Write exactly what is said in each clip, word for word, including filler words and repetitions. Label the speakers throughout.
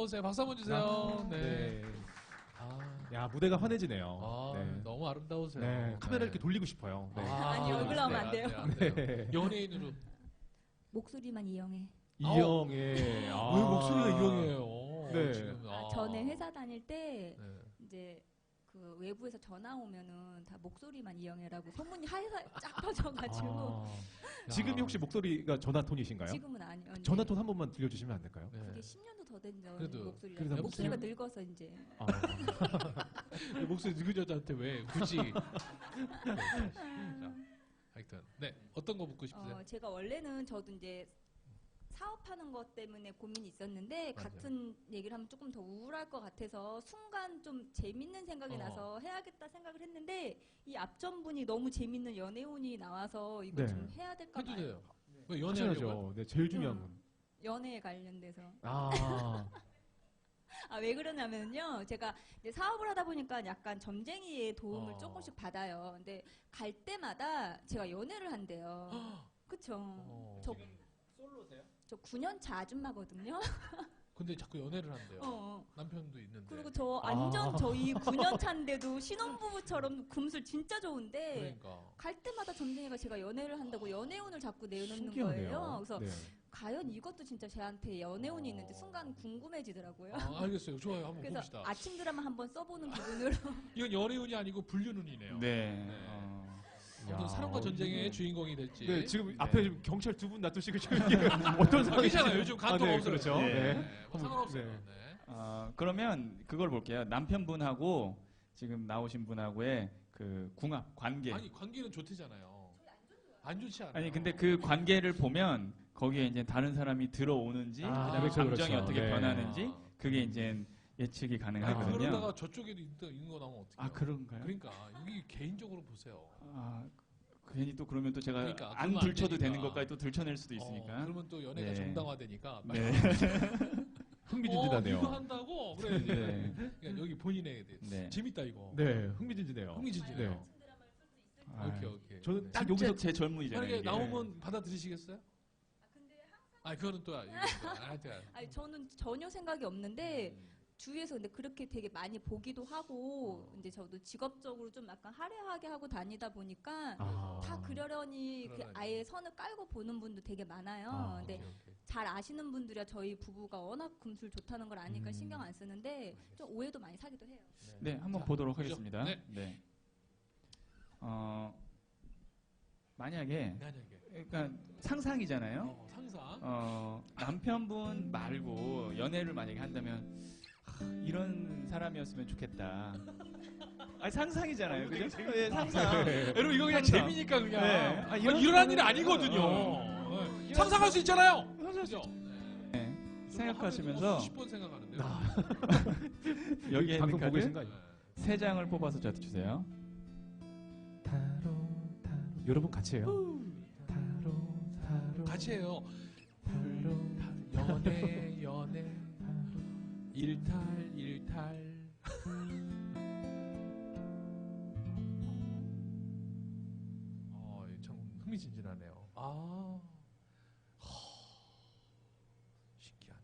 Speaker 1: 오세요. 박수 한번 주세요.
Speaker 2: 아,
Speaker 1: 네.
Speaker 2: 네.
Speaker 1: 아,
Speaker 2: 야, 무대가 환해지네요.
Speaker 1: 아,
Speaker 2: 네.
Speaker 1: 너무 아름다우세요.
Speaker 2: 네, 카메라
Speaker 1: 네.
Speaker 2: 이렇게 돌리고 싶어요. 네.
Speaker 1: 아,
Speaker 3: 아니, 얼굴 나오면 안 돼요.
Speaker 1: 안 돼요.
Speaker 2: 네.
Speaker 1: 연예인으로.
Speaker 3: 목소리만 이용해.
Speaker 2: 이영애. 아.
Speaker 1: 왜 목소리가 이영이에요?
Speaker 2: 네.
Speaker 1: 지금,
Speaker 3: 아, 전에 회사 다닐 때
Speaker 1: 네.
Speaker 3: 이제 그 외부에서 전화 오면은 다 목소리만 이영애라고 소문이 하에서 쫙 퍼져가지고
Speaker 2: 아. 지금이 혹시 목소리가 전화톤이신가요?
Speaker 3: 지금은 아니요. 네.
Speaker 2: 전화톤 한 번만 들려주시면 안 될까요?
Speaker 1: 네.
Speaker 3: 그게 십 년도 더 된
Speaker 1: 그래도-
Speaker 3: 목소리라
Speaker 2: 그래도
Speaker 3: 목소리가
Speaker 1: 여보세요?
Speaker 3: 늙어서 이제
Speaker 2: 아.
Speaker 1: 네, 목소리 늙은 여자한테 왜 굳이? 네, 자, 하여튼 네 어떤 거 묻고 싶으세요?
Speaker 3: 어, 제가 원래는 저도 이제 사업하는 것 때문에 고민이 있었는데
Speaker 1: 맞아요.
Speaker 3: 같은 얘기를 하면 조금 더 우울할 것 같아서 순간 좀 재밌는 생각이
Speaker 1: 어.
Speaker 3: 나서 해야겠다 생각을 했는데 이 앞전분이 너무 재밌는 연애운이 나와서 이거
Speaker 2: 네.
Speaker 3: 좀 해야 될까
Speaker 1: 해도
Speaker 3: 봐요.
Speaker 1: 돼요. 왜 연애하려고?
Speaker 2: 하셔야죠. 네, 제일 중요한 건.
Speaker 3: 연애에 관련돼서.
Speaker 2: 아.
Speaker 3: 아, 왜 그러냐면요. 제가 이제 사업을 하다 보니까 약간 점쟁이의 도움을
Speaker 1: 어.
Speaker 3: 조금씩 받아요. 근데 갈 때마다 제가 연애를 한대요. 그쵸.
Speaker 1: 어.
Speaker 3: 저,
Speaker 2: 솔로세요?
Speaker 3: 저 구 년 차 아줌마거든요.
Speaker 1: 근데 자꾸 연애를 한대요.
Speaker 3: 어.
Speaker 1: 남편도 있는데.
Speaker 3: 그리고 저 완전
Speaker 2: 아.
Speaker 3: 저희 구 년 차인데도 신혼부부처럼 금술 진짜 좋은데
Speaker 1: 그러니까.
Speaker 3: 갈 때마다 점쟁이가 제가 연애를 한다고 연애운을 자꾸 내놓는
Speaker 2: 신기하네요.
Speaker 3: 거예요. 그래서
Speaker 2: 네.
Speaker 3: 과연 이것도 진짜 제한테 연애운이
Speaker 1: 어.
Speaker 3: 있는지 순간 궁금해지더라고요.
Speaker 1: 아, 알겠어요. 좋아요. 한번
Speaker 3: 그래서
Speaker 1: 봅시다.
Speaker 3: 아침 드라마 한번 써보는 기분으로
Speaker 1: 이건 연애운이 아니고 불륜운이네요.
Speaker 4: 네.
Speaker 1: 네.
Speaker 4: 어,
Speaker 1: 아무튼
Speaker 2: 야,
Speaker 1: 사랑과 전쟁의
Speaker 2: 이게-
Speaker 1: 주인공이 될지.
Speaker 2: 네, 지금
Speaker 4: 네.
Speaker 2: 앞에 지금 경찰 두 분 놔두시고 지금 이게 어떤
Speaker 1: 아,
Speaker 2: 상황인지.
Speaker 1: 괜찮아요. 요즘 간통
Speaker 2: 아, 네,
Speaker 1: 없어요.
Speaker 2: 그렇죠.
Speaker 4: 네.
Speaker 2: 네.
Speaker 1: 네. 뭐 상관없어요.
Speaker 2: 네.
Speaker 1: 네.
Speaker 4: 어, 그러면 그걸 볼게요. 남편분하고 지금 나오신 분하고의 그 궁합 관계.
Speaker 1: 아니 관계는 좋대잖아요. 안 좋지 않아요.
Speaker 4: 아니 근데 그 관계를 보면 거기에 이제 다른 사람이 들어오는지
Speaker 2: 아,
Speaker 4: 그다음에
Speaker 2: 그렇죠,
Speaker 4: 감정이
Speaker 2: 그렇죠.
Speaker 4: 어떻게
Speaker 2: 네.
Speaker 4: 변하는지 그게 이제 예측이
Speaker 1: 아니,
Speaker 4: 가능하거든요.
Speaker 1: 그러다가 저쪽에도 있- 있는 거 나오면 어떡해요?
Speaker 4: 아 그런가요?
Speaker 1: 그러니까 여기 개인적으로 보세요.
Speaker 4: 아 괜히 또 그러면 또 제가
Speaker 1: 그러니까,
Speaker 4: 안
Speaker 1: 그러면 안
Speaker 4: 들춰도 되는
Speaker 1: 되니까.
Speaker 4: 것까지 또 들춰낼 수도 있으니까.
Speaker 1: 어, 그러면 또 연애가
Speaker 4: 네.
Speaker 1: 정당화되니까.
Speaker 4: 네.
Speaker 2: 흥미진진하네요.
Speaker 1: 어, 이거 한다고 그래.
Speaker 4: 네.
Speaker 1: 그러니까 여기 본인의 대-
Speaker 4: 네.
Speaker 1: 재밌다 이거.
Speaker 2: 네, 흥미진진해요.
Speaker 1: 흥미진진해요.
Speaker 2: 네.
Speaker 4: 아,
Speaker 1: 오케이 오케이.
Speaker 2: 저는
Speaker 1: 네.
Speaker 2: 딱
Speaker 4: 진짜
Speaker 2: 여기서
Speaker 4: 제 젊은이잖아요.
Speaker 1: 만약에
Speaker 4: 이게.
Speaker 1: 나오면 받아들이시겠어요? 아 그거는 또 이거 하여튼.
Speaker 3: 아니 저는 전혀 생각이 없는데
Speaker 1: 음.
Speaker 3: 주위에서 근데 그렇게 되게 많이 보기도 하고 이제 저도 직업적으로 좀 약간 화려하게 하고 다니다 보니까
Speaker 2: 아.
Speaker 3: 다 그러려니 그
Speaker 1: 그러려니.
Speaker 3: 아예 선을 깔고 보는 분도 되게 많아요.
Speaker 2: 아,
Speaker 3: 근데
Speaker 1: 오케이, 오케이.
Speaker 3: 잘 아시는 분들이야 저희 부부가 워낙 금술 좋다는 걸 아니까
Speaker 2: 음.
Speaker 3: 신경 안 쓰는데 좀 오해도 많이 사기도 해요.
Speaker 4: 네, 한번
Speaker 1: 자,
Speaker 4: 보도록
Speaker 1: 보죠.
Speaker 4: 하겠습니다.
Speaker 1: 네.
Speaker 4: 네. 어, 만약에
Speaker 1: 만약에
Speaker 4: 그러니까 상상이잖아요.
Speaker 1: 어, 상상.
Speaker 4: 어, 남편분 말고 연애를 만약에 한다면 하, 이런 사람이었으면 좋겠다. 아니 상상이잖아요, 그죠? 예, 상상.
Speaker 2: 네.
Speaker 1: 여러분 이거 그냥
Speaker 4: 상상.
Speaker 1: 재미니까 그냥.
Speaker 4: 네.
Speaker 1: 아,
Speaker 4: 아,
Speaker 1: 이런
Speaker 4: 이런
Speaker 1: 일이
Speaker 4: 거는-
Speaker 1: 아니거든요.
Speaker 4: 어.
Speaker 1: 네. 상상할 수 있잖아요.
Speaker 4: 상상할 수
Speaker 1: 그죠?
Speaker 4: 네. 생각하시면서
Speaker 1: 수십 번 생각하는데.
Speaker 2: 아.
Speaker 4: 여기에 있는
Speaker 2: 방송 보고 계신
Speaker 4: 카드
Speaker 2: 거 아니에요?
Speaker 4: 세 장을 뽑아서 저한테 주세요.
Speaker 2: 타로 타로 여러분 같이 해요. 타로 타로
Speaker 1: 같이 해요.
Speaker 2: 타로
Speaker 1: 연애 연애 일탈 일탈. 어, 참 흥미진진하네요. 아, 허, 신기하네.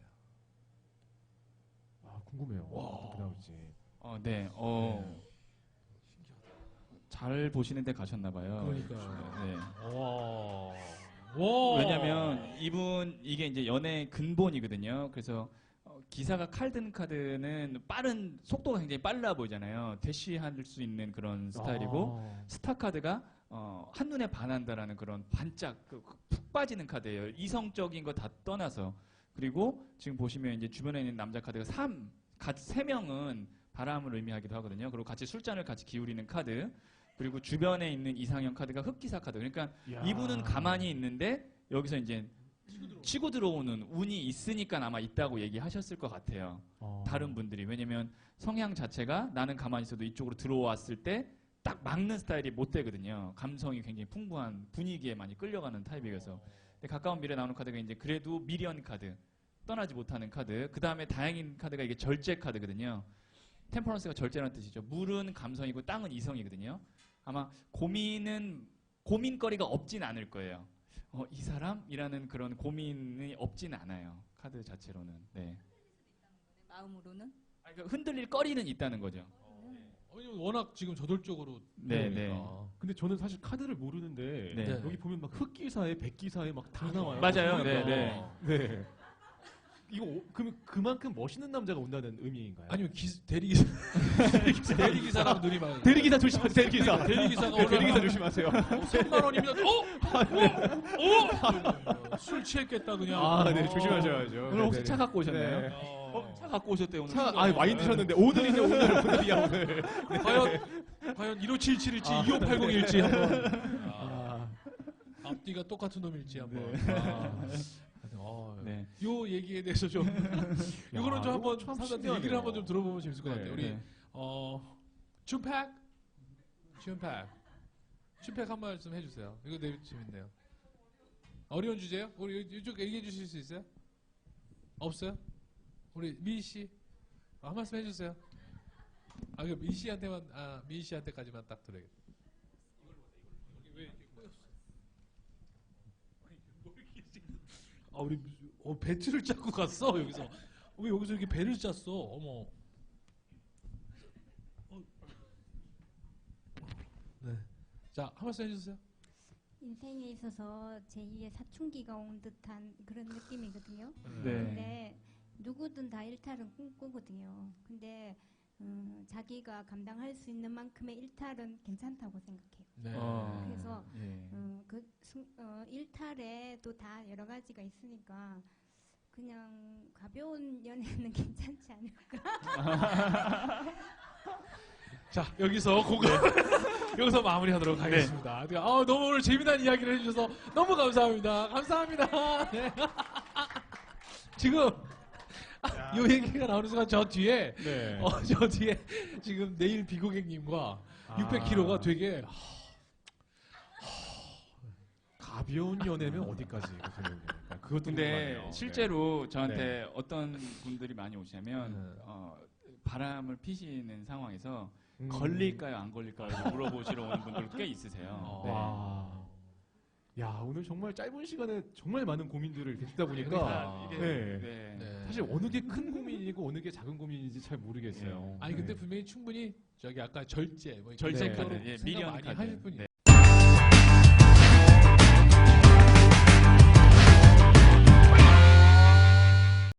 Speaker 2: 아, 궁금해요.
Speaker 1: 와.
Speaker 2: 어떻게 나올지.
Speaker 4: 어, 네. 어,
Speaker 1: 신기하다.
Speaker 4: 잘 보시는 데 가셨나 봐요.
Speaker 1: 그러니까요.
Speaker 4: 네.
Speaker 1: 와, 와.
Speaker 4: 왜냐면 이분 이게 이제 연애 근본이거든요. 그래서 어, 기사가 칼든 카드는 빠른 속도가 굉장히 빨라 보이잖아요. 대시할 수 있는 그런 스타일이고
Speaker 2: 아.
Speaker 4: 스타 카드가 어, 한눈에 반한다라는 그런 반짝 그, 그푹 빠지는 카드예요. 이성적인 거 다 떠나서. 그리고 지금 보시면 이제 주변에 있는 남자 카드가 삼, 같이 세 명은 바람을 의미하기도 하거든요. 그리고 같이 술잔을 같이 기울이는 카드. 그리고 주변에 있는 이상형 카드가 흑기사 카드. 그러니까
Speaker 2: 이야.
Speaker 4: 이분은 가만히 있는데 여기서 이제 치고 들어오는 운이 있으니까 아마 있다고 얘기하셨을 것 같아요.
Speaker 2: 어.
Speaker 4: 다른 분들이. 왜냐면 성향 자체가 나는 가만히 있어도 이쪽으로 들어왔을 때 딱 막는 스타일이 못 되거든요. 감성이 굉장히 풍부한 분위기에 많이 끌려가는 타입이어서. 근데 가까운 미래 나오는 카드가 이제 그래도 미련 카드. 떠나지 못하는 카드. 그 다음에 다행인 카드가 이게 절제 카드거든요. 템퍼런스가 절제라는 뜻이죠. 물은 감성이고 땅은 이성이거든요. 아마 고민은 고민거리가 없진 않을 거예요. 어, 이 사람이라는 그런 고민이 없진 않아요. 카드 자체로는. 네.
Speaker 3: 마음으로는?
Speaker 4: 아니, 그러니까 흔들릴 거리는 있다는 거죠.
Speaker 1: 왜냐면 워낙 지금 저돌적으로
Speaker 4: 네,
Speaker 1: 그러니까.
Speaker 2: 근데 저는 사실 카드를 모르는데
Speaker 4: 네.
Speaker 2: 여기 보면 막 흑기사에 백기사에 막 다 나와요.
Speaker 4: 맞아요.
Speaker 2: 그러니까.
Speaker 4: 네, 네.
Speaker 2: 네. 이거 오- 그럼 그만큼 멋있는 남자가 온다는 의미인가요?
Speaker 1: 아니면 기, 대리기사 대리기사랑 눈이 막
Speaker 2: 대리기사 조심하세요. 대리기사.
Speaker 1: 대리기사가
Speaker 2: 네, 대리기사
Speaker 1: 올라가면
Speaker 2: 조심하세요.
Speaker 1: 삼만 원이면 어? 어? 어? 술 취했겠다 그냥.
Speaker 2: 아, 네,
Speaker 1: 어.
Speaker 2: 조심하셔야죠.
Speaker 4: 오늘 혹시
Speaker 2: 네,
Speaker 4: 차
Speaker 2: 네.
Speaker 4: 갖고 오셨나요?
Speaker 2: 네.
Speaker 1: 어.
Speaker 4: 차 갖고 오셨대요 오늘.
Speaker 2: 차, 아, 많이 드셨는데 오늘이냐 오늘 오늘이야 오늘.
Speaker 1: 과연 과연 일오칠칠일지
Speaker 2: 아.
Speaker 1: 이오팔공일지 한번 아,
Speaker 2: 아,
Speaker 1: 앞뒤가 똑같은 놈일지 한번.
Speaker 2: 네.
Speaker 1: 아. 어,
Speaker 4: 네.
Speaker 1: 요 얘기에 대해서 좀 이거는 좀
Speaker 2: 이거
Speaker 1: 한번
Speaker 2: 참
Speaker 1: 사람들
Speaker 2: 신기하네요.
Speaker 1: 얘기를 한번 좀 들어보면 재밌을 것
Speaker 2: 네,
Speaker 1: 같아요. 우리
Speaker 4: 네.
Speaker 1: 어 춘팩 춘팩 춘팩 한 말씀 해주세요. 이거 되게 재밌네요. 어려운 주제요? 우리 이쪽 얘기해 주실 수 있어요? 없어요? 우리 미희 씨 아, 한 말씀 해주세요. 아, 그 미희 씨한테만 아 미희 씨한테까지만 딱 들어야겠다. 아 우리 어, 배틀을 짜고 갔어 여기서. 왜 여기서 이렇게 배를 짰어? 어머. 어. 네. 자, 한 말씀 해주세요.
Speaker 5: 인생에 있어서 제이의 사춘기가 온 듯한 그런 느낌이거든요.
Speaker 4: 네.
Speaker 5: 근데 누구든 다 일탈은 꿈꾸거든요. 근데 음, 자기가 감당할 수 있는 만큼의 일탈은 괜찮다고 생각해요.
Speaker 1: 네.
Speaker 4: 어.
Speaker 5: 그래서
Speaker 4: 예.
Speaker 5: 음, 그 순- 어, 일탈에 또 다 여러 가지가 있으니까 그냥 가벼운 연애는 괜찮지 않을까.
Speaker 1: 자, 여기서 공감 여기서 마무리하도록 하겠습니다. 아, 너무 오늘 재미난 이야기를 해주셔서 너무 감사합니다. 감사합니다. 네. 지금 이 얘기가 나오는 순간 저 뒤에
Speaker 2: 네.
Speaker 1: 어, 저 뒤에 지금 내일 비고객님과 육백 킬로그램가 되게
Speaker 2: 가벼운 연애면 어디까지 선생님? 그것도
Speaker 4: 근데
Speaker 2: 궁금하네요.
Speaker 4: 실제로 저한테
Speaker 2: 네.
Speaker 4: 어떤 분들이 많이 오시냐면
Speaker 1: 네.
Speaker 4: 어, 바람을 피시는 상황에서
Speaker 2: 음.
Speaker 4: 걸릴까요 안 걸릴까요 이렇게 물어보시러 오는 분들도 꽤 있으세요.
Speaker 1: 어.
Speaker 4: 네.
Speaker 2: 와. 야, 오늘 정말 짧은 시간에 정말 많은 고민들을 이렇게 듣다 보니까
Speaker 1: 그러니까
Speaker 4: 이게-
Speaker 2: 네.
Speaker 4: 네.
Speaker 1: 네.
Speaker 2: 사실 어느 게 큰 고민이고 어느 게 작은 고민인지 잘 모르겠어요.
Speaker 1: 아니 근데
Speaker 2: 네.
Speaker 1: 분명히 충분히 저기 아까 절제 뭐
Speaker 4: 절제
Speaker 1: 이런
Speaker 2: 카드,
Speaker 1: 생각
Speaker 4: 예,
Speaker 1: 많이
Speaker 4: 미련 카드.
Speaker 1: 하실 분이
Speaker 4: 네.